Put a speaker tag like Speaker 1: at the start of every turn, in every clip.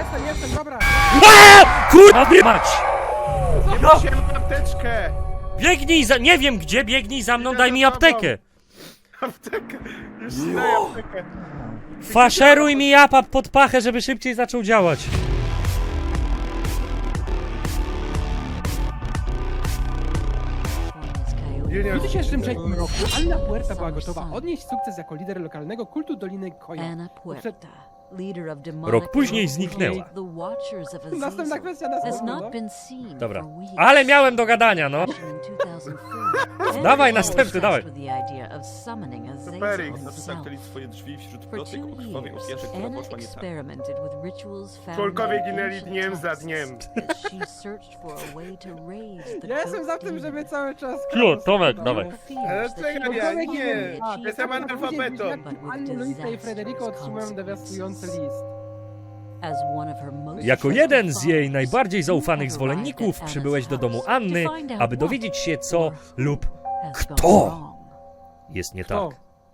Speaker 1: Jestem, dobra.
Speaker 2: Kurwa mać!
Speaker 3: Wziąłem apteczkę!
Speaker 2: Biegnij za... Nie wiem gdzie, biegnij za mną, daj mi aptekę!
Speaker 3: Aptekę! Już ci daję aptekę.
Speaker 2: Faszeruj mi japa pod pachę, żeby szybciej zaczął działać.
Speaker 3: Junior,
Speaker 1: W 2003 roku Anna Puerta była gotowa odnieść sukces jako lider lokalnego kultu Doliny Koja.
Speaker 4: Anna Puerta, leader of demonic
Speaker 2: Rok później zniknęła.
Speaker 4: The Watchers of
Speaker 1: Następna
Speaker 4: Azazel
Speaker 1: kwestia,
Speaker 4: has
Speaker 1: następna.
Speaker 4: not been seen
Speaker 2: Dobra.
Speaker 4: for weeks.
Speaker 2: Ale miałem do gadania, no.
Speaker 4: In 2004,
Speaker 2: Dawaj,
Speaker 4: Anna
Speaker 2: następny,
Speaker 4: was
Speaker 2: dawaj.
Speaker 4: tasked with the idea of summoning Azazel
Speaker 3: Superik,
Speaker 4: himself.
Speaker 5: Zamknęli swoje drzwi wśród
Speaker 4: For
Speaker 5: plotek
Speaker 4: 2
Speaker 5: o krwawej
Speaker 4: years,
Speaker 5: ofierze, która
Speaker 4: Anna
Speaker 5: poszła nie tak.
Speaker 4: experimented with rituals found
Speaker 3: członkowie
Speaker 4: in
Speaker 3: ginęli
Speaker 4: ancient
Speaker 3: dniem za
Speaker 4: texts
Speaker 3: dniem.
Speaker 4: as she searched for a way to raise the
Speaker 1: Ja jestem za
Speaker 4: goat
Speaker 1: tym, żeby
Speaker 4: demon.
Speaker 1: cały czas...
Speaker 2: Ciu, Tomek,
Speaker 1: No.
Speaker 2: dawaj.
Speaker 3: czekaj, nie. Jestem analfabetą.
Speaker 1: Anny, Luisa i Frederico otrzymują dewastujący list.
Speaker 4: As one of her most
Speaker 2: Jako jeden z jej najbardziej zaufanych zwolenników
Speaker 4: arrived at
Speaker 2: przybyłeś do
Speaker 4: Anna's
Speaker 2: domu
Speaker 4: house
Speaker 2: Anny,
Speaker 4: to find out
Speaker 2: aby
Speaker 4: what
Speaker 2: dowiedzieć się co lub
Speaker 4: has gone
Speaker 2: kto
Speaker 4: wrong.
Speaker 2: jest nie
Speaker 1: Kto?
Speaker 2: tak.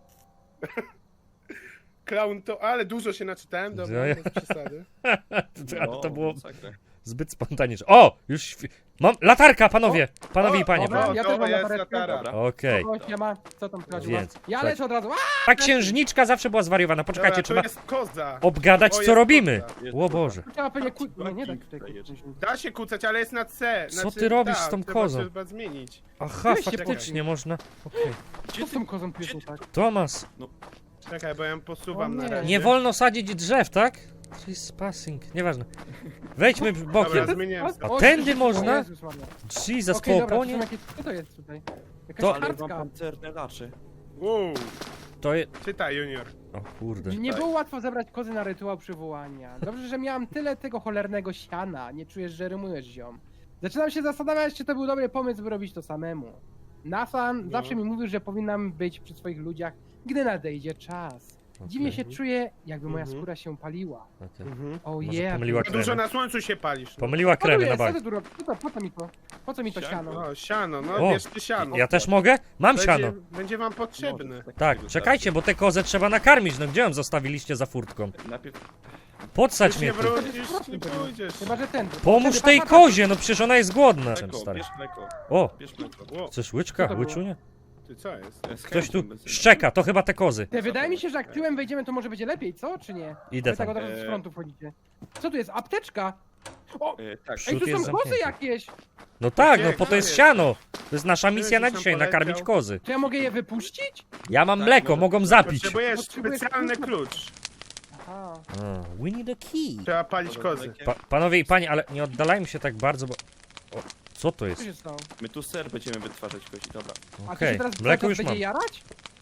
Speaker 3: Clown to... Ale dużo się naczytałem, dobra,
Speaker 2: Ja-
Speaker 3: bez przesady.
Speaker 2: Ale to było
Speaker 5: masakra.
Speaker 2: zbyt spontaniczne. O! Już... Mam... Latarka, panowie! Panowie i panie.
Speaker 1: dobra.
Speaker 2: proszę.
Speaker 1: Ja też mam
Speaker 3: jest
Speaker 1: latareczkę.
Speaker 3: latara.
Speaker 5: Dobra.
Speaker 2: Okej.
Speaker 1: O, siema. Co tam wchodziło?
Speaker 2: Więc,
Speaker 1: Ja
Speaker 2: słuchajcie.
Speaker 1: lecę od razu.
Speaker 2: Ta księżniczka zawsze była zwariowana. Poczekajcie,
Speaker 3: Dobra,
Speaker 2: trzeba
Speaker 3: to jest koza.
Speaker 2: obgadać
Speaker 3: O,
Speaker 2: co
Speaker 3: jest
Speaker 2: robimy.
Speaker 3: koza.
Speaker 2: O Boże.
Speaker 1: Trzeba pewnie Nie, nie tak tutaj.
Speaker 5: Dajesz.
Speaker 3: Da się kucać, ale jest na C.
Speaker 2: Co ty robisz z tą
Speaker 3: trzeba
Speaker 2: kozą?
Speaker 3: Trzeba zmienić.
Speaker 2: Aha,
Speaker 1: Weź się
Speaker 2: faktycznie można. Okej.
Speaker 1: Co z tą kozą tu jest nie tak?
Speaker 2: Tomas,
Speaker 3: Czekaj, bo ja ją posuwam
Speaker 1: O
Speaker 3: na
Speaker 1: nie.
Speaker 3: razie.
Speaker 2: nie wolno sadzić drzew, tak? Trespassing, nieważne. Wejdźmy bokiem.
Speaker 3: Dobra, zmieniłem.
Speaker 2: A tędy można?
Speaker 1: O Jezus Maria.
Speaker 2: Jesus,
Speaker 1: Okej,
Speaker 2: po
Speaker 1: dobra, to są
Speaker 2: oponie?
Speaker 1: jakieś... Co to jest tutaj? Jakaś
Speaker 2: To-
Speaker 5: Ale mam
Speaker 1: kartka.
Speaker 5: pancerne lacze.
Speaker 3: Wow,
Speaker 2: To jest...
Speaker 3: czytaj, Junior.
Speaker 2: O kurde.
Speaker 1: Nie było łatwo zebrać kozy na rytuał przywołania. Dobrze, że miałam tyle tego cholernego siana. Nie czujesz, że rymujesz, ziom. Zaczynam się zastanawiać, czy to był dobry pomysł, by robić to samemu. Nathan zawsze mi mówił, że powinnam być przy swoich ludziach, gdy nadejdzie czas. Dziwnie się czuję, jakby moja
Speaker 3: Mhm.
Speaker 1: skóra się paliła.
Speaker 2: Okej.
Speaker 1: O
Speaker 2: Może
Speaker 1: yeah.
Speaker 2: pomyliła
Speaker 3: Za dużo
Speaker 2: kremy.
Speaker 3: na słońcu się palisz. No.
Speaker 2: Pomyliła
Speaker 1: Co tu
Speaker 2: kremy na
Speaker 1: jest? Co
Speaker 2: bank.
Speaker 1: ty tu robisz? Po co mi to? Po co mi to siano?
Speaker 3: O, siano, no
Speaker 2: O,
Speaker 3: bierz ty siano.
Speaker 2: Ja też mogę? Mam siano.
Speaker 3: Będzie wam potrzebne.
Speaker 2: Tak, czekajcie, bo te kozę trzeba nakarmić. No gdzie ją zostawiliście za furtką?
Speaker 5: Najpierw
Speaker 2: Podsadź
Speaker 3: Już
Speaker 2: mnie
Speaker 3: nie
Speaker 2: tu.
Speaker 3: wrócisz, nie pójdziesz.
Speaker 1: Chyba, że ten.
Speaker 2: Pomóż
Speaker 1: Wtedy
Speaker 2: tej
Speaker 1: papa-
Speaker 2: kozie, no przecież ona jest głodna.
Speaker 5: mleko,
Speaker 2: Stary.
Speaker 5: bierz mleko,
Speaker 2: O,
Speaker 5: bierz mleko.
Speaker 3: Ło,
Speaker 2: chcesz łyczka?
Speaker 1: Co to było?
Speaker 2: Łyczunie?
Speaker 3: ty co jest?
Speaker 2: Ktoś tu szczeka, to chyba te kozy.
Speaker 1: Ty, wydaje mi się, że jak tyłem wejdziemy, to może będzie lepiej, co? Czy nie?
Speaker 2: Idę
Speaker 1: Wy tak
Speaker 2: tam.
Speaker 1: od razu z frontu wchodzicie. Co tu jest? Apteczka? O!
Speaker 5: Tak,
Speaker 1: Ej,
Speaker 2: Przód
Speaker 1: tu
Speaker 2: jest
Speaker 1: są kozy
Speaker 2: zamknięty.
Speaker 1: jakieś!
Speaker 2: No tak, no
Speaker 3: Gdzie?
Speaker 2: po to jest
Speaker 3: Gdzie?
Speaker 2: siano. To jest nasza misja na
Speaker 3: Gdzieś tam
Speaker 2: dzisiaj,
Speaker 3: poleciał.
Speaker 2: nakarmić kozy.
Speaker 1: Czy ja mogę je wypuścić?
Speaker 2: Ja mam
Speaker 5: Tak,
Speaker 2: mleko,
Speaker 5: może-
Speaker 2: mogą zapić.
Speaker 3: Potrzebujesz
Speaker 1: Potrzebujesz
Speaker 3: specjalny
Speaker 1: klucza.
Speaker 3: klucz.
Speaker 1: Aha.
Speaker 2: A, we need a key.
Speaker 3: Trzeba palić kozy.
Speaker 2: Panowie i panie, ale nie oddalajmy się tak bardzo, bo... O, co to
Speaker 1: Co
Speaker 2: jest?
Speaker 1: się stało?
Speaker 5: My tu ser będziemy wytwarzać kozi, dobra.
Speaker 1: A to
Speaker 2: Okej,
Speaker 1: się teraz
Speaker 2: mleko
Speaker 1: cały
Speaker 2: już
Speaker 1: czas
Speaker 2: mam.
Speaker 1: będzie jarać?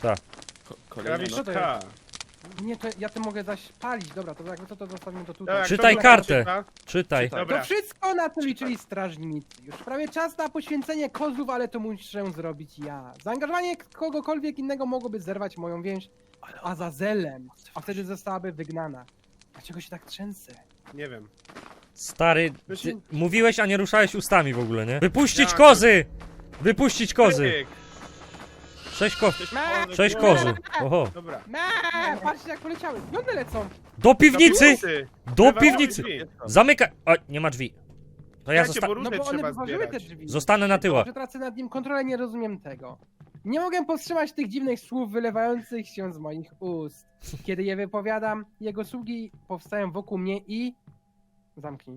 Speaker 5: Kolejny
Speaker 3: Krawisz
Speaker 1: co to
Speaker 3: K.
Speaker 1: Nie, to ja to mogę zaś palić. Dobra, to jakby to zostawimy to tutaj.
Speaker 3: Dobra,
Speaker 2: Czytaj
Speaker 3: kto
Speaker 2: kartę.
Speaker 3: czyta?
Speaker 2: Czytaj.
Speaker 3: Dobra.
Speaker 1: To wszystko na to liczyli strażnicy. Już prawie czas na poświęcenie kozłów, ale to muszę zrobić ja. Zaangażowanie kogokolwiek innego mogłoby zerwać moją więź z Azazelem, a wtedy zostałaby wygnana. Dlaczego się tak trzęsę?
Speaker 3: Nie wiem.
Speaker 2: Stary, ty mówiłeś, a nie ruszałeś ustami w ogóle, nie? Wypuścić
Speaker 3: Ja.
Speaker 2: kozy! Wypuścić kozy!
Speaker 3: Pyk.
Speaker 2: 6 koz...
Speaker 1: Me!
Speaker 2: 6 kozy. Oho.
Speaker 3: Dobra.
Speaker 1: Me! Patrzcie jak poleciały. Gdzie one lecą?
Speaker 2: Do piwnicy!
Speaker 3: Ty.
Speaker 2: Do
Speaker 3: Wyważyły
Speaker 2: piwnicy!
Speaker 3: drzwi.
Speaker 2: Zamykaj! O, nie ma drzwi. To ja
Speaker 3: Czekajcie, bo
Speaker 1: No
Speaker 3: różne
Speaker 1: bo one
Speaker 3: trzeba
Speaker 1: wyważyły te
Speaker 3: zbierać.
Speaker 1: drzwi.
Speaker 2: zostanę na tyłach.
Speaker 1: Że tracę nad nim kontrolę, nie rozumiem tego. Nie mogę powstrzymać tych dziwnych słów wylewających się z moich ust. Kiedy je wypowiadam, jego sługi powstają wokół mnie i... Zamknij.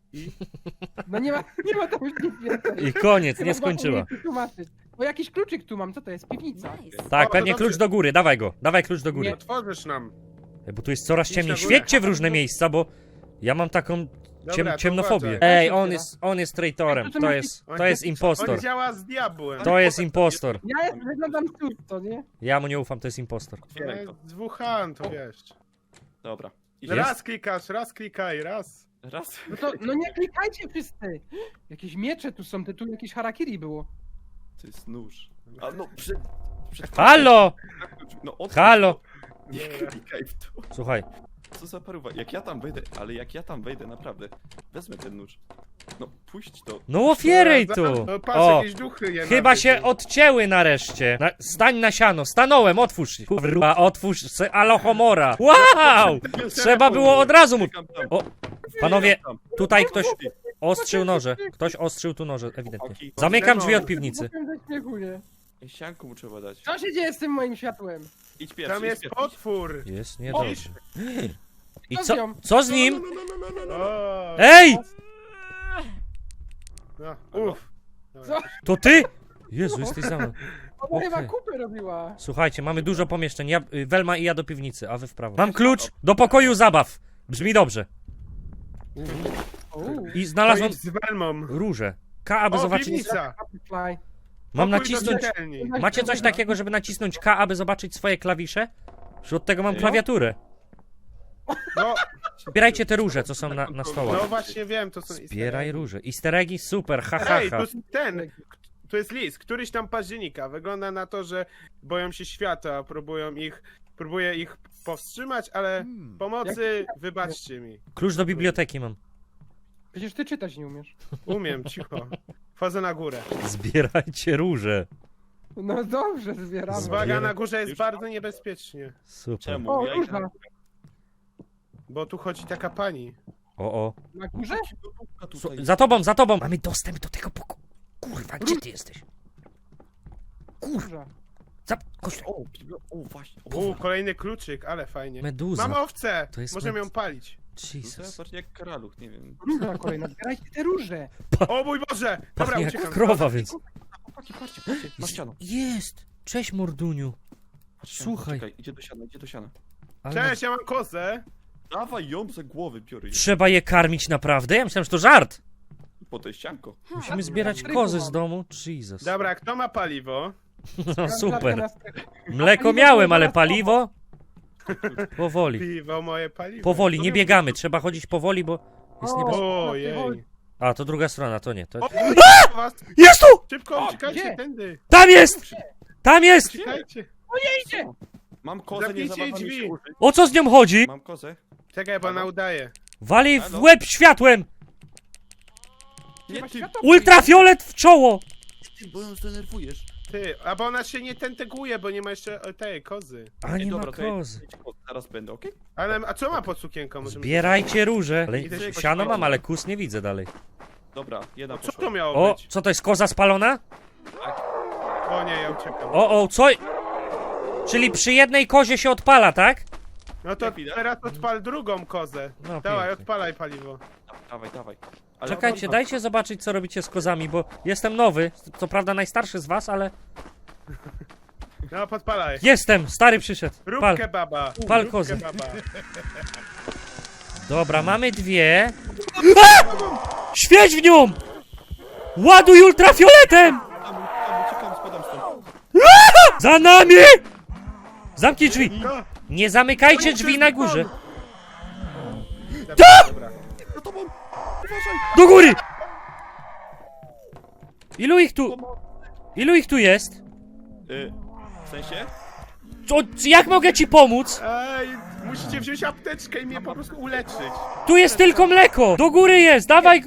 Speaker 1: No nie ma tam już nic więcej.
Speaker 2: I koniec,
Speaker 1: Chyba
Speaker 2: nie skończyła.
Speaker 1: mogę tłumaczyć. Bo jakiś kluczyk tu mam, co to jest? Piwnica.
Speaker 4: Nice.
Speaker 2: Tak,
Speaker 3: O, to
Speaker 2: pewnie
Speaker 3: dobrze.
Speaker 2: klucz do góry, dawaj go. Dawaj klucz do góry.
Speaker 1: Nie.
Speaker 3: Otworzysz nam.
Speaker 2: Bo tu jest coraz
Speaker 3: Idź
Speaker 2: ciemniej.
Speaker 3: na górę.
Speaker 2: Świećcie w różne miejsca, bo ja mam taką
Speaker 3: Dobra, to
Speaker 2: ciemnofobię.
Speaker 3: uważaj.
Speaker 2: Ej, on jest traitorem.
Speaker 1: Ej, to
Speaker 2: To jest impostor.
Speaker 3: On działa z diabłem.
Speaker 2: To jest impostor.
Speaker 1: Ja wyglądam to nie?
Speaker 2: Ja mu nie ufam, to jest impostor.
Speaker 5: Otwieraj to.
Speaker 3: Z Wuhan, to wiesz.
Speaker 5: Dobra.
Speaker 2: Jest?
Speaker 3: Raz klikasz, raz klikaj, raz.
Speaker 5: Raz.
Speaker 1: No to, no nie klikajcie wszyscy! Jakieś miecze tu są, tu jakieś harakiri było.
Speaker 5: To jest nóż. A no, przed
Speaker 2: Halo!
Speaker 5: No, otwórz
Speaker 2: Halo!
Speaker 5: to. Nie klikaj w to.
Speaker 2: Słuchaj,
Speaker 5: Co za paruwa. Jak ja tam wejdę, ale jak ja tam wejdę, naprawdę. Wezmę ten nóż. No, puść to.
Speaker 2: no otwieraj tu!
Speaker 3: No, patrz,
Speaker 2: O,
Speaker 3: jakieś duchy je
Speaker 2: chyba
Speaker 3: nabyły.
Speaker 2: się odcięły nareszcie. Stań na siano, stanąłem, otwórz się. Kurwa, otwórz se Alohomora. Wow! Trzeba było od razu mu...
Speaker 5: Klikam tam.
Speaker 2: O, Panowie,
Speaker 5: Tam.
Speaker 2: tutaj ktoś ostrzył noże. Ktoś ostrzył tu noże, ewidentnie.
Speaker 5: Chłopaki.
Speaker 2: Zamykam drzwi od piwnicy.
Speaker 1: Powiem ze śmiechu, nie?
Speaker 5: Ej, sianku mu trzeba dać.
Speaker 1: Co się dzieje z tym moim światłem?
Speaker 5: Idź pierwszy,
Speaker 3: Tam
Speaker 5: idź
Speaker 3: jest
Speaker 5: pierwszy.
Speaker 3: potwór.
Speaker 2: Jest niedobrze. I
Speaker 1: Co z
Speaker 2: co?
Speaker 1: nią?
Speaker 2: Co z nim?
Speaker 3: O,
Speaker 2: Ej!
Speaker 3: no, uff.
Speaker 1: Co?
Speaker 2: To ty? Jezu, jesteś za mną.
Speaker 1: Ona chyba
Speaker 2: Okej.
Speaker 1: kupę robiła.
Speaker 2: Słuchajcie, mamy dużo pomieszczeń. Ja, Welma i ja do piwnicy, a wy w prawo. Mam klucz do pokoju zabaw. Brzmi dobrze.
Speaker 1: Uuu.
Speaker 2: I
Speaker 3: To
Speaker 2: znalazłem
Speaker 3: idź z Welmą.
Speaker 2: róże. K, aby
Speaker 3: O,
Speaker 2: zobaczyć.
Speaker 3: piwnica.
Speaker 1: Butterfly.
Speaker 2: Mam
Speaker 3: Pokój do
Speaker 2: nacisnąć.
Speaker 3: czytelni.
Speaker 2: Macie coś takiego, żeby nacisnąć K, aby zobaczyć swoje klawisze? Już od tego mam klawiaturę.
Speaker 3: No,
Speaker 2: Zbierajcie te róże, co są na stołach.
Speaker 3: no właśnie wiem, to są
Speaker 2: Zbieraj róże. Easter eggi? Super, ha, ha,
Speaker 3: Ej,
Speaker 2: ha.
Speaker 3: tu jest ten. Tu jest list, któryś tam października. Wygląda na to, że boją się świata, próbuję ich powstrzymać, ale pomocy wybaczcie mi.
Speaker 2: Klucz do biblioteki mam.
Speaker 1: Przecież ty czytać nie umiesz.
Speaker 3: Umiem, cicho. Wchodzę na górę.
Speaker 2: Zbierajcie róże.
Speaker 1: No dobrze, zbieramy.
Speaker 3: Uwaga, na górze jest bardzo niebezpiecznie,
Speaker 2: Super.
Speaker 5: Czemu?
Speaker 1: O,
Speaker 5: Ja
Speaker 1: róża.
Speaker 3: bo tu chodzi taka pani.
Speaker 2: O.
Speaker 1: Na górze?
Speaker 2: Za tobą, za tobą! Mamy dostęp do tego pokoju. Kurwa, gdzie ty jesteś?
Speaker 1: Róża.
Speaker 2: Chodź tu.
Speaker 5: O, właśnie.
Speaker 3: Kolejny kluczyk, ale fajnie.
Speaker 2: Meduza.
Speaker 3: Mam owcę!
Speaker 2: To jest
Speaker 3: Możemy ją palić.
Speaker 2: Jesus.
Speaker 5: Zobacz jak karaluch, nie wiem.
Speaker 1: Róża kolejna. Zbierajcie te róże.
Speaker 3: O mój Boże! Dobra,
Speaker 2: Pachnie jak
Speaker 3: uciekam.
Speaker 2: krowa, więc...
Speaker 5: Chłopaki, patrzcie, na ścianę.
Speaker 2: Jest! Cześć, Morduniu. Słuchaj.
Speaker 5: Czekaj, idzie do siana.
Speaker 2: Ale
Speaker 3: Cześć, ja mam kozę.
Speaker 5: Dawaj ją za głowy, biorę ją.
Speaker 2: trzeba je karmić naprawdę? Ja myślałem, że to żart.
Speaker 5: Po to jest ścianko.
Speaker 2: Musimy zbierać kozy z domu. Jesus.
Speaker 3: Dobra, kto ma paliwo?
Speaker 2: No super. Mleko miałem, ale paliwo? Powoli.
Speaker 3: Piwo, moje paliwo.
Speaker 2: Powoli, nie biegamy. Trzeba chodzić powoli, bo jest niebezpieczne.
Speaker 3: Ojej.
Speaker 2: A, to druga strona, to nie. To...
Speaker 3: O, was!
Speaker 2: Jest tu!
Speaker 3: Szybko, uciekajcie
Speaker 1: gdzie?
Speaker 3: tędy.
Speaker 2: Tam jest! Tam jest!
Speaker 3: Uciekajcie.
Speaker 5: Mam kozę, nie
Speaker 3: Zamknijcie
Speaker 5: zabawa mi
Speaker 3: drzwi.
Speaker 5: się użyć.
Speaker 2: O co z nią chodzi?
Speaker 5: Mam kozę.
Speaker 3: Czekaj, bo ona udaje.
Speaker 2: Wali w
Speaker 5: Halo?
Speaker 2: łeb światłem!
Speaker 5: Nie ty,
Speaker 2: Ultrafiolet w czoło!
Speaker 5: bo ją zdenerwujesz.
Speaker 3: Ty, a bo ona się nie tenteguje, bo nie ma jeszcze tej kozy.
Speaker 2: A nie ma
Speaker 5: Dobra, to ja-
Speaker 2: kozy.
Speaker 5: Zaraz będę, okej?
Speaker 3: Ale, a co ma pod sukienką? Możemy-
Speaker 2: Zbierajcie róże. Ale
Speaker 3: Idę się
Speaker 2: siano mam,
Speaker 3: poświęcić.
Speaker 2: ale kus nie widzę dalej.
Speaker 5: Dobra, jedna
Speaker 3: Co
Speaker 5: poszła.
Speaker 3: to miało
Speaker 2: O,
Speaker 3: być?
Speaker 2: co to jest, koza spalona?
Speaker 3: O nie, ja uciekam.
Speaker 2: O, co? Czyli przy jednej kozie się odpala, tak?
Speaker 3: No to teraz odpal drugą kozę.
Speaker 2: No,
Speaker 3: Dawaj,
Speaker 2: pięknie.
Speaker 3: odpalaj paliwo.
Speaker 5: Dawaj. Ale
Speaker 2: Czekajcie, dajcie zobaczyć, co robicie z kozami, bo jestem nowy. Co prawda najstarszy z was, ale...
Speaker 3: No, podpalaj.
Speaker 2: Jestem! Stary przyszedł.
Speaker 3: Rób
Speaker 2: Pal.
Speaker 3: kebaba.
Speaker 2: Pal
Speaker 3: Rób
Speaker 2: kozę.
Speaker 3: kebaba.
Speaker 2: Dobra, mamy dwie. A! Świeć w nią! Ładuj ultrafioletem!
Speaker 5: Uciekam, spadam stąd.
Speaker 2: Za nami! Zamknij drzwi!
Speaker 3: No,
Speaker 2: Nie zamykajcie drzwi na górze!
Speaker 3: dobra.
Speaker 5: Za tobą! Uważaj!
Speaker 2: Do góry! Ilu ich tu jest?
Speaker 5: W sensie?
Speaker 2: Jak mogę ci pomóc?
Speaker 3: Ej, musicie wziąć apteczkę i mnie po prostu uleczyć.
Speaker 2: Tu jest tylko mleko! Do góry jest! Dawaj!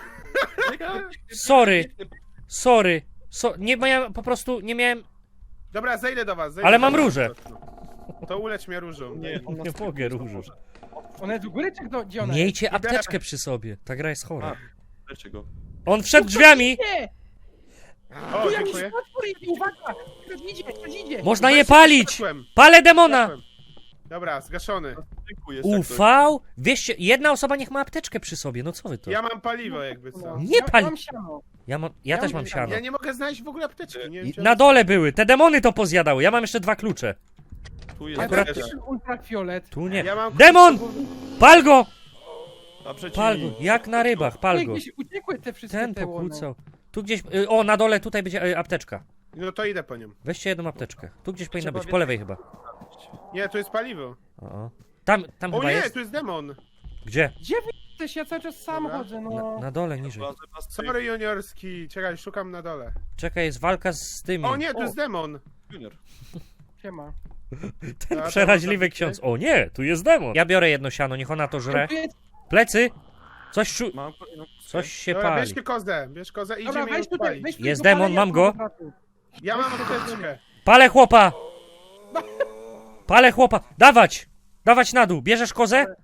Speaker 2: Sorry. Nie miałem, po prostu nie miałem...
Speaker 3: Dobra, zejdę do was. Zejdę
Speaker 2: Ale
Speaker 3: do
Speaker 2: mam
Speaker 3: was.
Speaker 2: róże.
Speaker 3: To ulecz mnie różą.
Speaker 5: Nie, on nas
Speaker 2: Nie mogę różu.
Speaker 1: Ona jest u góry, czy gdzie ona jest?
Speaker 2: Miejcie apteczkę przy sobie. Ta gra jest chora.
Speaker 5: Dlaczego?
Speaker 2: On wszedł drzwiami!
Speaker 1: Nie!
Speaker 3: O,
Speaker 1: Tu jakiś
Speaker 3: dziękuję.
Speaker 1: potwór idzie, uwaga! Ktoś idzie!
Speaker 2: Można je
Speaker 3: Weź,
Speaker 2: palić!
Speaker 3: zgasłem,
Speaker 2: Palę demona!
Speaker 3: zgasłem. Dobra, zgaszony.
Speaker 5: Dziękuję,
Speaker 2: UV? Wieście, jedna osoba niech ma apteczkę przy sobie, no co wy to?
Speaker 3: Ja mam paliwo jakby co.
Speaker 2: Nie pali-
Speaker 1: Mam siano.
Speaker 2: Ja też mam siano.
Speaker 3: Ja nie mogę znaleźć w ogóle apteczki. Nie wiem, czy
Speaker 2: Na dole były, te demony to pozjadały, ja mam jeszcze 2 klucze.
Speaker 5: Tu
Speaker 1: Ja
Speaker 5: jest
Speaker 2: Akurat-
Speaker 1: też mam ultrafiolet.
Speaker 2: Tu nie.
Speaker 3: Ja mam
Speaker 2: Demon! Pal go!
Speaker 5: A przeciw.
Speaker 2: Pal go, jak na rybach, pal go.
Speaker 1: Gdzieś uciekły te wszystkie
Speaker 2: Ten
Speaker 1: te łony.
Speaker 2: pokłócał. Tu gdzieś, o na dole tutaj będzie apteczka.
Speaker 3: No to idę po nią.
Speaker 2: Weźcie jedną apteczkę. Tu gdzieś powinna
Speaker 5: Trzeba
Speaker 2: być, po lewej chyba.
Speaker 3: Nie, to jest paliwo.
Speaker 2: O. Tam
Speaker 3: O
Speaker 2: chyba
Speaker 3: nie,
Speaker 2: jest.
Speaker 3: tu jest demon.
Speaker 2: Gdzie?
Speaker 1: Gdzie wy jesteś? Ja cały czas sam
Speaker 3: Dobra.
Speaker 1: chodzę, no.
Speaker 2: Na dole, niżej.
Speaker 3: Sorry juniorski. Czekaj, szukam na dole.
Speaker 2: Czekaj, jest walka z tymi.
Speaker 3: O nie, tu jest demon.
Speaker 5: Junior.
Speaker 1: Siema.
Speaker 2: Ten
Speaker 3: A, to
Speaker 2: przeraźliwy
Speaker 3: można
Speaker 2: ksiądz. O nie, tu jest demon. Ja biorę jedno siano, niech ona to żre.
Speaker 1: Tu jest...
Speaker 2: Plecy! Coś
Speaker 5: Mam.
Speaker 2: Coś się
Speaker 3: Dobra,
Speaker 2: pali.
Speaker 3: bierz kozę i
Speaker 1: Dobra,
Speaker 3: idziemy ją
Speaker 1: weź tutaj,
Speaker 3: spalić.
Speaker 1: weź tu
Speaker 2: Jest
Speaker 1: do
Speaker 2: demon,
Speaker 1: palenia
Speaker 2: mam go.
Speaker 1: kwadratu.
Speaker 3: Ja mam apteczkę.
Speaker 2: Palę chłopa! Palę chłopa! Dawać! Dawać na dół! Bierzesz kozę?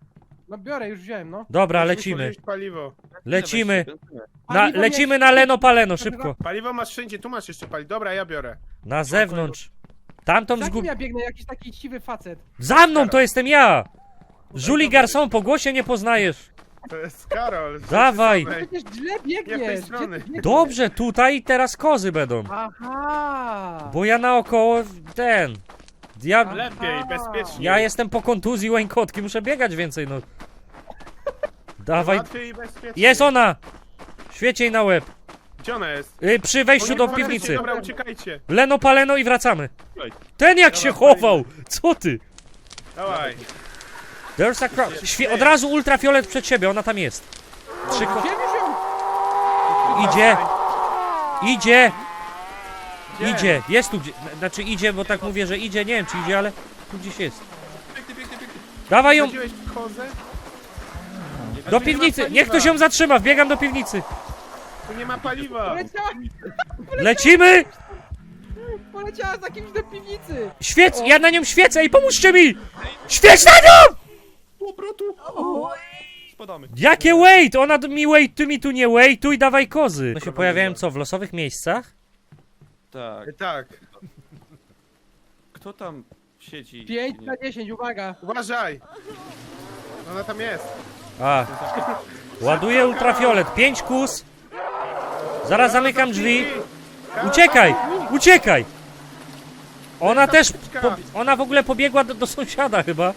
Speaker 1: No biorę, już wziąłem, no.
Speaker 2: Dobra,
Speaker 3: Musimy
Speaker 2: lecimy.
Speaker 3: wziąć paliwo.
Speaker 2: Lecimy.
Speaker 1: Paliwo
Speaker 2: Lecimy
Speaker 1: mieć-
Speaker 2: na Leno Paleno, szybko.
Speaker 3: Paliwo masz wszędzie, tu masz jeszcze paliwo. Dobra, ja biorę.
Speaker 2: Na zewnątrz. Tamtą
Speaker 1: Za kim
Speaker 2: zgub...
Speaker 1: ja biegnę? Jakiś taki siwy facet.
Speaker 2: Za mną to jestem ja! Julie Garçon, po głosie nie poznajesz.
Speaker 3: To jest Karol.
Speaker 2: Dawaj.
Speaker 3: Ej,
Speaker 1: Przecież źle
Speaker 3: Nie w tej
Speaker 1: biegniesz.
Speaker 3: strony.
Speaker 1: Gdzie ty biegniesz?
Speaker 2: Dobrze, tutaj teraz kozy będą.
Speaker 1: Aha.
Speaker 2: Bo ja naokoło ten. Ja,
Speaker 3: Lepiej, bezpiecznie.
Speaker 2: ja jestem po kontuzji łańkotki, muszę biegać więcej, no. Dawaj.
Speaker 3: Łatwiej i bezpiecznie.
Speaker 2: Jest ona! Świeć jej na łeb.
Speaker 3: Gdzie ona jest?
Speaker 2: Przy wejściu do
Speaker 3: Uciekajcie,
Speaker 2: piwnicy.
Speaker 3: Dobra, uciekajcie.
Speaker 2: Leno Paleno i wracamy.
Speaker 5: Ej.
Speaker 2: Ten jak się chował! Co ty?
Speaker 3: Dawaj.
Speaker 2: There's a crowd. Od razu ultrafiolet przed siebie, ona tam jest.
Speaker 1: Gdzie wziął?
Speaker 2: Idzie. Idzie.
Speaker 3: Gdzie?
Speaker 2: Idzie. Jest tu gdzie. Znaczy idzie, bo tak mówię, że idzie. Nie wiem czy idzie, ale tu gdzieś jest. Dawaj ją
Speaker 3: Chodziłeś kozę?
Speaker 2: do piwnicy. Niech ktoś ją zatrzyma. Wbiegam do piwnicy.
Speaker 3: Tu nie ma paliwa.
Speaker 2: Lecimy!
Speaker 1: Poleciała za kimś do piwnicy.
Speaker 2: Świec! Ja na nią świecę i pomóżcie mi! Świeć na nią!
Speaker 5: Obrotu! Spadamy.
Speaker 2: Jakie wait? Ona mi wait, ty mi tu nie waituj, dawaj kozy. No się pojawiają co, w losowych miejscach?
Speaker 5: Tak.
Speaker 3: Tak.
Speaker 5: Kto tam siedzi?
Speaker 1: 5 na 10, uwaga.
Speaker 3: Uważaj. Ona tam jest.
Speaker 2: A. Ładuję ultrafiolet. 5 kus. Zaraz zamykam drzwi. Uciekaj! Uciekaj! Ona też. Ona w ogóle pobiegła do sąsiada chyba.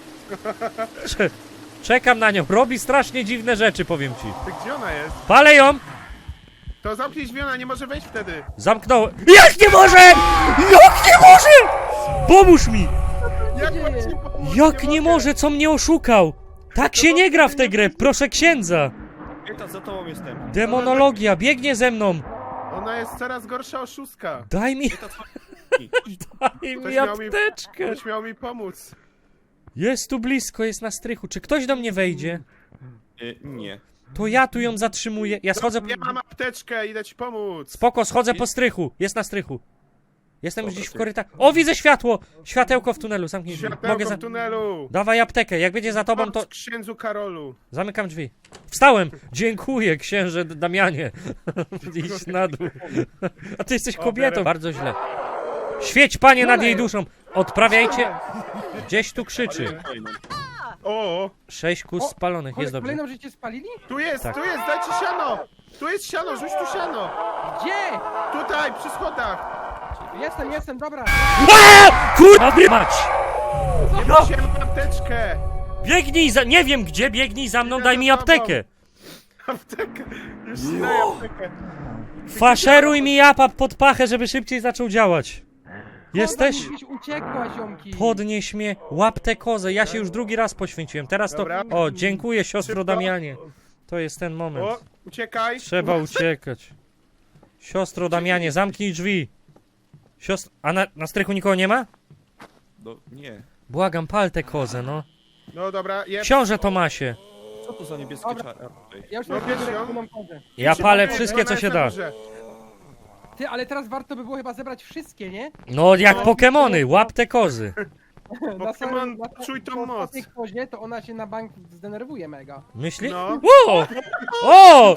Speaker 2: Czekam na nią. Robi strasznie dziwne rzeczy, powiem ci.
Speaker 3: Ty gdzie ona jest?
Speaker 2: Palę ją!
Speaker 3: To zamknij drzwi, ona nie może wejść wtedy.
Speaker 2: Zamknąłem. Jak nie może! Jak nie może! Pomóż mi!
Speaker 3: Jak
Speaker 1: dzieje?
Speaker 3: mam ci pomóc?
Speaker 2: Jak nie
Speaker 3: mogę.
Speaker 2: może? Co mnie oszukał? Tak się nie gra w tę grę, proszę księdza!
Speaker 5: Eta, za tobą jestem.
Speaker 2: Demonologia, biegnie ze mną!
Speaker 3: Ona jest coraz gorsza oszustka.
Speaker 2: Daj mi,
Speaker 5: Eta, co?
Speaker 2: daj mi
Speaker 3: Ktoś miał mi-
Speaker 2: apteczkę!
Speaker 3: Ktoś miał mi pomóc.
Speaker 2: Jest tu blisko, jest na strychu. Czy ktoś do mnie wejdzie?
Speaker 5: Nie.
Speaker 2: To ja tu ją zatrzymuję. Ja schodzę...
Speaker 3: Ja mam apteczkę, idę ci pomóc.
Speaker 2: Spoko, schodzę po strychu. Jest na strychu. Jestem już gdzieś w korytarzu. O, widzę światło! Światełko w tunelu, zamknij drzwi.
Speaker 3: Światełko
Speaker 2: Mogę
Speaker 3: w tunelu.
Speaker 2: Dawaj aptekę, jak będzie za tobą, to...
Speaker 3: Pomóc księdzu Karolu.
Speaker 2: Zamykam drzwi. Wstałem! Dziękuję, księże Damianie. Idź na dół. A ty jesteś kobietą.
Speaker 3: biorę.
Speaker 2: Bardzo źle. Świeć, panie, nad jej duszą. Odprawiajcie. Gdzieś tu krzyczy.
Speaker 3: O,
Speaker 2: 6 kus spalonych, jest dobrze.
Speaker 1: Kolejną życie spalili?
Speaker 3: tu jest,
Speaker 2: Tak.
Speaker 3: dajcie siano. Tu jest siano, rzuć tu siano.
Speaker 1: Gdzie?
Speaker 3: Tutaj, przy schodach.
Speaker 1: Jestem, dobra.
Speaker 2: Kurwa mać!
Speaker 3: Ja mam apteczkę.
Speaker 2: Biegnij za... Nie wiem gdzie, biegnij za mną, daj mi aptekę.
Speaker 3: Aptekę. Już ci daję aptekę.
Speaker 2: Faszeruj mi apap pod pachę, żeby szybciej zaczął działać. Jesteś?
Speaker 1: Gdzieś uciekła, ziomki.
Speaker 2: Podnieś mnie, łap tę kozę. Ja się już drugi raz poświęciłem. Teraz to...
Speaker 3: Dobra.
Speaker 2: O, dziękuję, siostro
Speaker 3: Szybko.
Speaker 2: Damianie. To jest ten moment.
Speaker 3: O, uciekaj.
Speaker 2: Trzeba uciekać. Siostro Damianie, zamknij drzwi. Siostro... A na strychu nikogo nie ma?
Speaker 5: No, nie.
Speaker 2: Błagam, pal tę kozę, no.
Speaker 3: No dobra,
Speaker 2: Książę Tomasie.
Speaker 5: Co to za niebieskie
Speaker 1: Dobra.
Speaker 5: czary?
Speaker 1: Ja już
Speaker 3: No,
Speaker 1: mam
Speaker 3: wiesz,
Speaker 1: regularną kozę.
Speaker 2: Ja palę wszystkie, co się da.
Speaker 1: Ty, ale teraz warto by było chyba zebrać wszystkie, nie?
Speaker 2: No, jak Pokemony, łap te kozy.
Speaker 3: Pokémon, czuj tą moc.
Speaker 1: ostatniej kozie, to ona się na bank zdenerwuje mega.
Speaker 2: Myśli?
Speaker 3: No,
Speaker 2: O! O!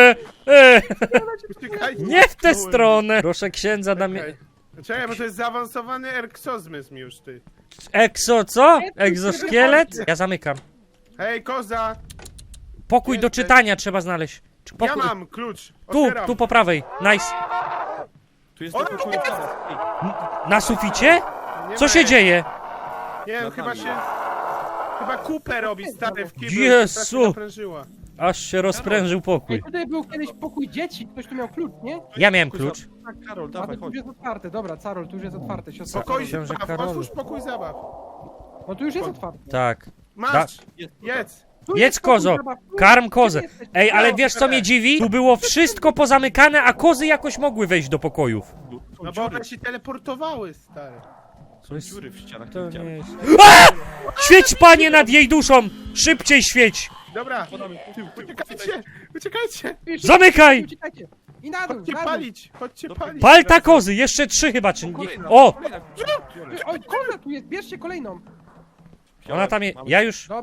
Speaker 3: uciekajcie.
Speaker 2: Nie w tę stronę! Proszę księdza Damianie.
Speaker 3: Czekaj, bo to jest zaawansowany erksozmysł już, ty.
Speaker 2: Exo, co? Egzoszkielet? Ja zamykam.
Speaker 3: Hej, koza!
Speaker 2: Pokój do
Speaker 3: Jesteś.
Speaker 2: czytania trzeba znaleźć. Czy
Speaker 3: Ja
Speaker 2: pokój...
Speaker 3: mam klucz.
Speaker 2: Tu,
Speaker 3: Otwieram.
Speaker 2: tu po prawej. Nice.
Speaker 5: Tu jest
Speaker 3: O,
Speaker 5: do pokoju zaraz. Ej,
Speaker 2: Na suficie?
Speaker 3: Nie
Speaker 2: Co
Speaker 3: ma
Speaker 2: się
Speaker 3: jak.
Speaker 2: dzieje?
Speaker 3: Nie wiem,
Speaker 5: Na
Speaker 3: chyba
Speaker 5: dole.
Speaker 3: się... Chyba kupę robi stary w kiblu.
Speaker 2: Jezu!
Speaker 3: która się naprężyła.
Speaker 2: Aż się rozprężył
Speaker 1: Ej,
Speaker 2: pokój.
Speaker 1: tutaj był kiedyś pokój dzieci, ktoś tu miał klucz, nie?
Speaker 2: Ja miałem klucz.
Speaker 5: Tak, Karol,
Speaker 1: A
Speaker 5: dawaj,
Speaker 1: to tu
Speaker 5: chodź.
Speaker 1: już jest otwarte, dobra, Carol, tu już jest otwarte, siostra.
Speaker 3: Pokój
Speaker 2: Książę
Speaker 3: zabaw,
Speaker 2: Karolu.
Speaker 3: otwórz pokój zabaw.
Speaker 1: No tu już jest otwarte.
Speaker 2: Tak.
Speaker 3: Masz,
Speaker 5: Jest,
Speaker 3: jedz.
Speaker 1: Tu
Speaker 2: Jedz
Speaker 1: jest pokój
Speaker 2: kozo,
Speaker 1: zabaw.
Speaker 2: karm kozę.
Speaker 1: Gdzie jesteś?
Speaker 2: Ej, ale wiesz co mnie dziwi? Tu było wszystko pozamykane, a kozy jakoś mogły wejść do pokojów.
Speaker 5: Są
Speaker 3: No bo
Speaker 5: dziury,
Speaker 3: one się teleportowały, stary.
Speaker 5: są dziury w ścianach.
Speaker 2: To
Speaker 5: nie
Speaker 2: nie
Speaker 5: widziałem.
Speaker 2: jest... Świeć, panie, nad jej duszą! Szybciej świeć!
Speaker 3: Dobra,
Speaker 5: Podamy tył, tył.
Speaker 3: uciekajcie, uciekajcie.
Speaker 2: Zamykaj!
Speaker 1: Uciekajcie. I na dół,
Speaker 3: Chodźcie
Speaker 1: na dół.
Speaker 3: palić, chodźcie palić.
Speaker 2: Palta kozy, jeszcze 3 chyba, czy nie?
Speaker 5: Kolejna,
Speaker 2: O!
Speaker 5: kolejna.
Speaker 1: Oj, koza tu jest, bierzcie kolejną.
Speaker 2: Ona tam jest, ja już...
Speaker 1: Dobra,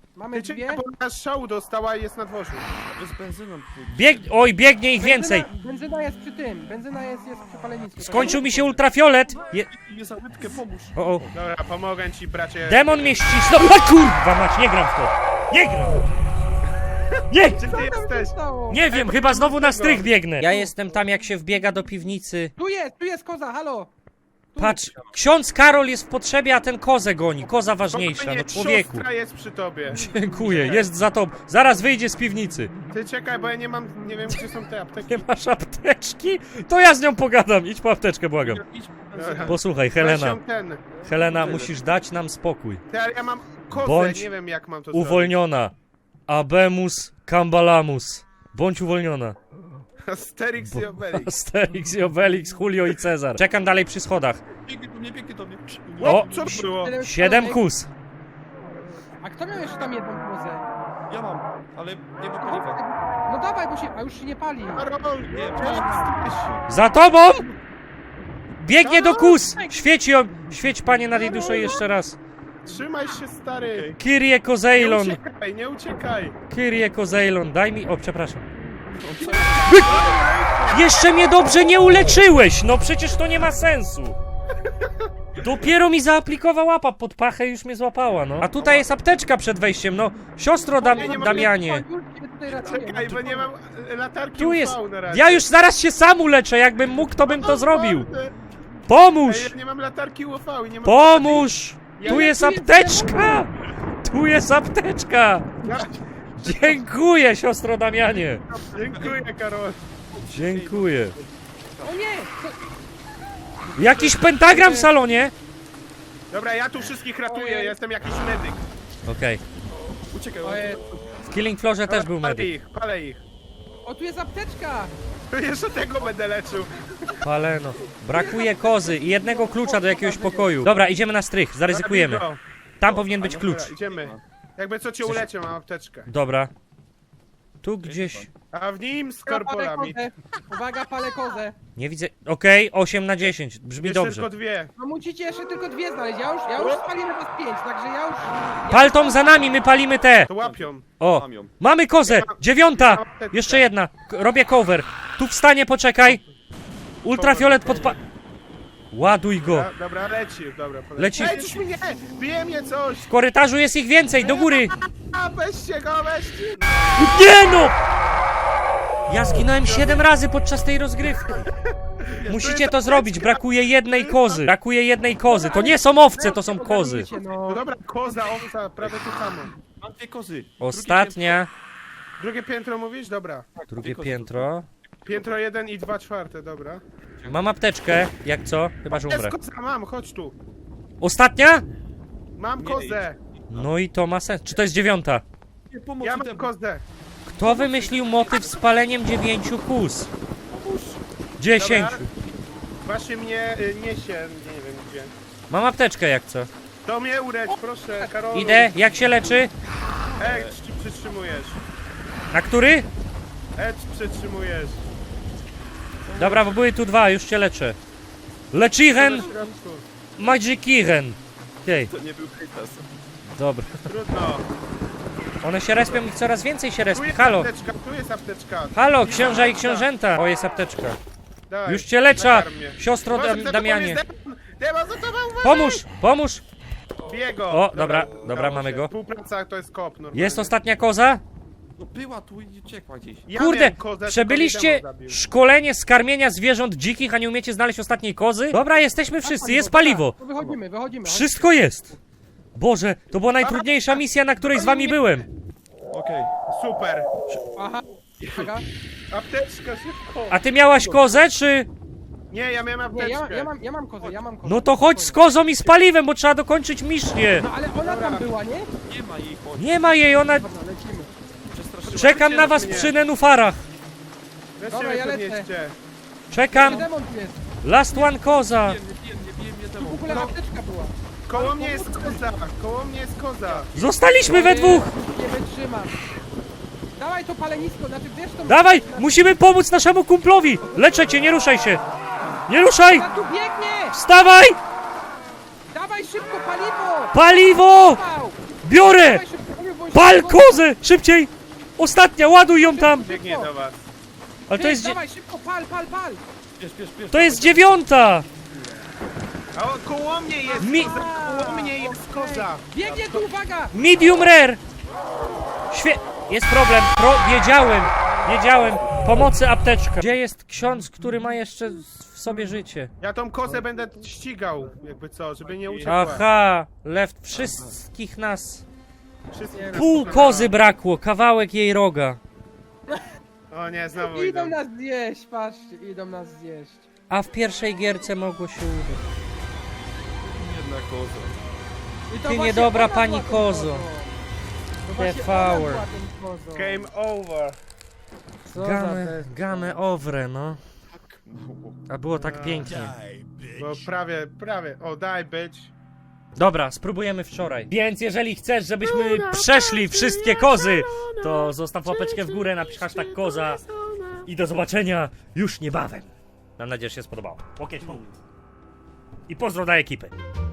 Speaker 1: Mamy
Speaker 3: Ty
Speaker 1: dwie.
Speaker 3: czekaj, bo nasz szału dostała i jest na dworzu.
Speaker 5: Z benzyną.
Speaker 2: Oj, biegnie ich więcej.
Speaker 1: Benzyna jest przy tym. Benzyna jest przy palenisku.
Speaker 2: Skończył mi się ultrafiolet.
Speaker 5: Mnie za łydkę, pomóż.
Speaker 2: O.
Speaker 3: Dobra, pomogę ci, bracie.
Speaker 2: Demon mnie ścisnął. O kurwa mać, nie gram w to. Nie gram. Nie!
Speaker 3: Gdzie ty jesteś?
Speaker 1: Stało?
Speaker 2: Nie wiem, chyba znowu na strych biegnę. Ja jestem tam, jak się wbiega do piwnicy.
Speaker 1: Tu jest koza, halo!
Speaker 2: Patrz, ksiądz Karol jest w potrzebie, a ten kozę goni. Koza ważniejsza,
Speaker 3: Spokojnie,
Speaker 2: no człowieku.
Speaker 3: Siostra jest przy tobie.
Speaker 2: Dziękuję, jest za tobą. Zaraz wyjdzie z piwnicy.
Speaker 3: Ty czekaj, bo ja nie mam, nie wiem gdzie są te apteki.
Speaker 2: Nie masz apteczki? To ja z nią pogadam. Idź po apteczkę, błagam.
Speaker 5: Idź,
Speaker 3: Dobra.
Speaker 2: Posłuchaj,
Speaker 3: Weź
Speaker 2: Helena.
Speaker 3: ją ten.
Speaker 2: Helena, musisz dać nam spokój.
Speaker 3: Ty, ale ja mam kozę,
Speaker 2: Bądź
Speaker 3: nie wiem jak mam to
Speaker 2: Uwolniona. Abemus Cambalamus. Bądź uwolniona.
Speaker 3: zrobić. Asterix i Obelix.
Speaker 2: Asterix i Obelix, Julio i Cezar. Czekam dalej przy schodach.
Speaker 5: biegnie do mnie.
Speaker 2: O,
Speaker 3: Co to było?
Speaker 2: 7 kus.
Speaker 1: A kto miał jeszcze tam jedną kozę?
Speaker 5: Ja mam, ale nie ma paliwa.
Speaker 1: No dawaj, bo się... A już się nie pali.
Speaker 3: Karol,
Speaker 5: Nie,
Speaker 3: gdzie
Speaker 5: nie.
Speaker 3: jesteś?
Speaker 2: Za tobą! Biegnie do kus! Świeć ją! Świeć, panie, nad jej duszą jeszcze raz.
Speaker 3: Trzymaj się, stary.
Speaker 2: Kyrie
Speaker 3: Nie
Speaker 2: Kozeilon!
Speaker 3: uciekaj, nie uciekaj.
Speaker 2: Kyrie Kozeilon, daj mi... O, przepraszam. Jeszcze mnie dobrze nie uleczyłeś! No przecież to nie ma sensu! Dopiero mi zaaplikował łapa pod pachę i już mnie złapała, no. A tutaj jest apteczka przed wejściem, no. Siostro Damianie.
Speaker 1: Już cię tutaj ratuję.
Speaker 3: Czekaj, bo nie mam latarki
Speaker 2: Tu jest...
Speaker 3: UV na razie.
Speaker 2: Ja już zaraz się sam uleczę, jakbym mógł, to bym to zrobił.
Speaker 3: Naprawdę.
Speaker 2: Pomóż!
Speaker 3: Ej, ja nie mam latarki UV i nie mam...
Speaker 2: Pomóż!
Speaker 3: Ja
Speaker 2: Tu jest
Speaker 1: lepiej
Speaker 2: apteczka! Tu jest apteczka!
Speaker 3: Ja...
Speaker 2: Dziękuję, siostro Damianie!
Speaker 3: Dziękuję, Karol.
Speaker 2: Dziękuję.
Speaker 1: O nie!
Speaker 2: Jakiś pentagram w salonie?
Speaker 3: Dobra, ja tu wszystkich ratuję,
Speaker 1: Ojej.
Speaker 3: jestem jakiś medyk.
Speaker 2: Okej.
Speaker 5: Uciekaj,
Speaker 1: O,
Speaker 2: W Killing Floorze też był
Speaker 3: Palę
Speaker 2: medyk.
Speaker 3: ich, palę ich.
Speaker 1: o, tu jest apteczka!
Speaker 3: Jeszcze tego będę leczył.
Speaker 2: Paleno. Brakuje kozy i jednego klucza do jakiegoś pokoju. Dobra, idziemy na strych, zaryzykujemy.
Speaker 3: Dobra,
Speaker 2: Tam powinien być klucz.
Speaker 3: Dobra, idziemy. Jakby co cię uleciał, mam apteczkę.
Speaker 2: Dobra. Tu gdzieś...
Speaker 3: A w nim z
Speaker 1: Palę
Speaker 3: korporami.
Speaker 1: kozę. Uwaga, palę kozę.
Speaker 2: Nie widzę... Okej, 8 na 10. Brzmi
Speaker 3: Jeszcze
Speaker 2: dobrze.
Speaker 3: tylko dwie.
Speaker 1: No musicie jeszcze tylko dwie znaleźć. Ja już spaliłem was 5, także ja już...
Speaker 2: Paltom za nami, my palimy te!
Speaker 3: To łapią.
Speaker 2: O!
Speaker 5: Mam ją.
Speaker 2: Mamy kozę! 9! Jeszcze jedna! Robię cover. Tu wstanie, poczekaj! Ultrafiolet podpa... Ładuj go!
Speaker 3: Dobra, leci. Dobra, poleci.
Speaker 2: Leci.
Speaker 3: Ej, coś mnie! Bije mnie coś!
Speaker 2: W korytarzu jest ich więcej, do góry!
Speaker 3: A, weźcie go, weźcie!
Speaker 2: Nie no! Ja zginąłem 7 razy podczas tej rozgrywki. Musicie to zrobić, brakuje jednej kozy. Brakuje jednej kozy. To nie są owce, to są kozy.
Speaker 1: Ogarnijcie,
Speaker 3: No
Speaker 1: no.
Speaker 3: dobra, koza, owca, prawie to samo.
Speaker 5: Mam dwie kozy.
Speaker 2: Ostatnia.
Speaker 3: Drugie piętro mówisz? Dobra.
Speaker 2: Drugie piętro.
Speaker 3: Piętro 1 i 2/4, dobra.
Speaker 2: Mam apteczkę, jak co? Chyba, że
Speaker 3: Jest
Speaker 2: umrę.
Speaker 3: koza, mam, chodź tu.
Speaker 2: Ostatnia?
Speaker 3: Mam kozę.
Speaker 2: No i to ma sens. Czy to jest 9?
Speaker 5: Nie, pomoc,
Speaker 3: Ja mam
Speaker 5: demon.
Speaker 3: kozę.
Speaker 2: Kto wymyślił motyw z paleniem 9 kus? 10.
Speaker 3: Dobra. Właśnie mnie niesie, nie wiem gdzie.
Speaker 2: Mam apteczkę, jak co?
Speaker 3: To mnie ulecz, proszę, Karolu.
Speaker 2: Idę, jak się leczy?
Speaker 3: Czy przytrzymujesz?
Speaker 2: Na który?
Speaker 3: Przytrzymujesz.
Speaker 2: Dobra, bo były tu dwa, już cię leczę. Lechiren,
Speaker 3: Na środku.
Speaker 2: Magikiren. Okej,
Speaker 5: To nie był hejtas.
Speaker 2: dobra.
Speaker 3: Trudno.
Speaker 2: One się respią i coraz więcej się
Speaker 3: Tu
Speaker 2: respią.
Speaker 3: jest
Speaker 2: Halo,
Speaker 3: apteczka, tu jest apteczka.
Speaker 2: halo, księża i książęta. O, jest apteczka.
Speaker 3: Daj,
Speaker 2: Już cię leczę,
Speaker 3: nakarm mnie.
Speaker 2: siostro
Speaker 3: Uważaj, za tobą
Speaker 2: Damianie.
Speaker 3: jest demon! Demon za tobą, uważaj!
Speaker 2: Pomóż, pomóż.
Speaker 3: Bije go.
Speaker 2: O, dobra,
Speaker 3: udało
Speaker 2: mamy
Speaker 3: się.
Speaker 2: go.
Speaker 3: Współpraca to jest kop normalnie.
Speaker 2: Jest ostatnia koza?
Speaker 5: No była tu i uciekła gdzieś.
Speaker 3: Ja
Speaker 2: Kurde,
Speaker 3: miałem kozę, tylko
Speaker 2: przebyliście
Speaker 3: mnie demon zabił.
Speaker 2: szkolenie z karmienia zwierząt dzikich, a nie umiecie znaleźć ostatniej kozy? Dobra, jesteśmy wszyscy, jest paliwo.
Speaker 1: To wychodzimy.
Speaker 2: Wszystko jest. Boże, to była najtrudniejsza misja, na której z wami byłem.
Speaker 5: Okej.
Speaker 3: Super.
Speaker 1: Aha. Uwaga.
Speaker 3: Apteczka, szybko.
Speaker 2: A ty miałaś kozę, czy...
Speaker 3: Nie, ja miałem
Speaker 1: Nie,
Speaker 3: apteczkę.
Speaker 1: ja mam kozę.
Speaker 2: No to chodź z kozą i z paliwem, bo trzeba dokończyć misję.
Speaker 1: No ale ona tam była, nie?
Speaker 5: Nie ma jej, chodź.
Speaker 2: Nie ma jej, ona...
Speaker 1: Dobra, lecimy.
Speaker 5: Przestraszyła.
Speaker 2: Czekam na was przy nenufarach.
Speaker 3: Weźcie
Speaker 1: Dobra,
Speaker 3: mnie
Speaker 1: ja lecę.
Speaker 3: podnieście.
Speaker 2: Czekam.
Speaker 1: Demon tu jest.
Speaker 2: Last one koza.
Speaker 5: Nie bije mnie
Speaker 1: W
Speaker 5: demon.
Speaker 1: ogóle apteczka była.
Speaker 3: Koło mnie jest koza. Koło mnie jest koza.
Speaker 2: Zostaliśmy we dwóch.
Speaker 1: Nie wytrzymam. Dawaj to palenisko, znaczy wiesz to...
Speaker 2: Dawaj, musimy pomóc naszemu kumplowi. Leczę cię, nie ruszaj się. Nie ruszaj.
Speaker 1: A tu biegnie!
Speaker 2: Wstawaj.
Speaker 1: Dawaj szybko paliwo!
Speaker 2: Paliwo.
Speaker 1: Pał!
Speaker 2: Biorę.
Speaker 1: Dawaj szybko paliwo, bo
Speaker 2: Pal kozę! Szybciej! Ostatnia, ładuj ją tam!
Speaker 3: Biegnie do was.
Speaker 2: Ale to jest,
Speaker 1: Dawaj, szybko, pal!
Speaker 5: Piesz.
Speaker 2: to jest 9!
Speaker 3: A o, koło mnie jest
Speaker 2: Mi-
Speaker 3: koza! Koło mnie jest koza!
Speaker 1: Biegnie tu, uwaga!
Speaker 2: Medium rare! Jest problem. Wiedziałem. Pomocy apteczka. Gdzie jest ksiądz, który ma jeszcze w sobie życie?
Speaker 3: Ja tą kozę będę ścigał, jakby co, żeby nie uciekła.
Speaker 2: Aha, left wszystkich nas.
Speaker 3: Wszystkie
Speaker 2: Pół kozy brakło, kawałek jej roga.
Speaker 3: O nie, znowu
Speaker 1: Idą
Speaker 3: idą.
Speaker 1: nas zjeść, patrzcie, idą nas zjeść.
Speaker 2: A w pierwszej gierce mogło się udać.
Speaker 5: Jedna koza.
Speaker 1: I to
Speaker 2: Ty
Speaker 1: właśnie
Speaker 2: niedobra
Speaker 1: ona
Speaker 2: pani
Speaker 1: była tą
Speaker 2: kozo.
Speaker 1: kozą. To właśnie
Speaker 2: Power.
Speaker 1: ona była tą kozą.
Speaker 3: Game over.
Speaker 1: Co za test.
Speaker 2: Game over, no. A było tak pięknie.
Speaker 3: Bo prawie. O, daj być.
Speaker 2: Dobra, spróbujemy wczoraj. Więc jeżeli chcesz, żebyśmy przeszli wszystkie kozy, to zostaw łapeczkę w górę, napisz hashtag koza i do zobaczenia już niebawem. Mam nadzieję, że się spodobało. Łokieć w dół. I pozdro dla ekipy.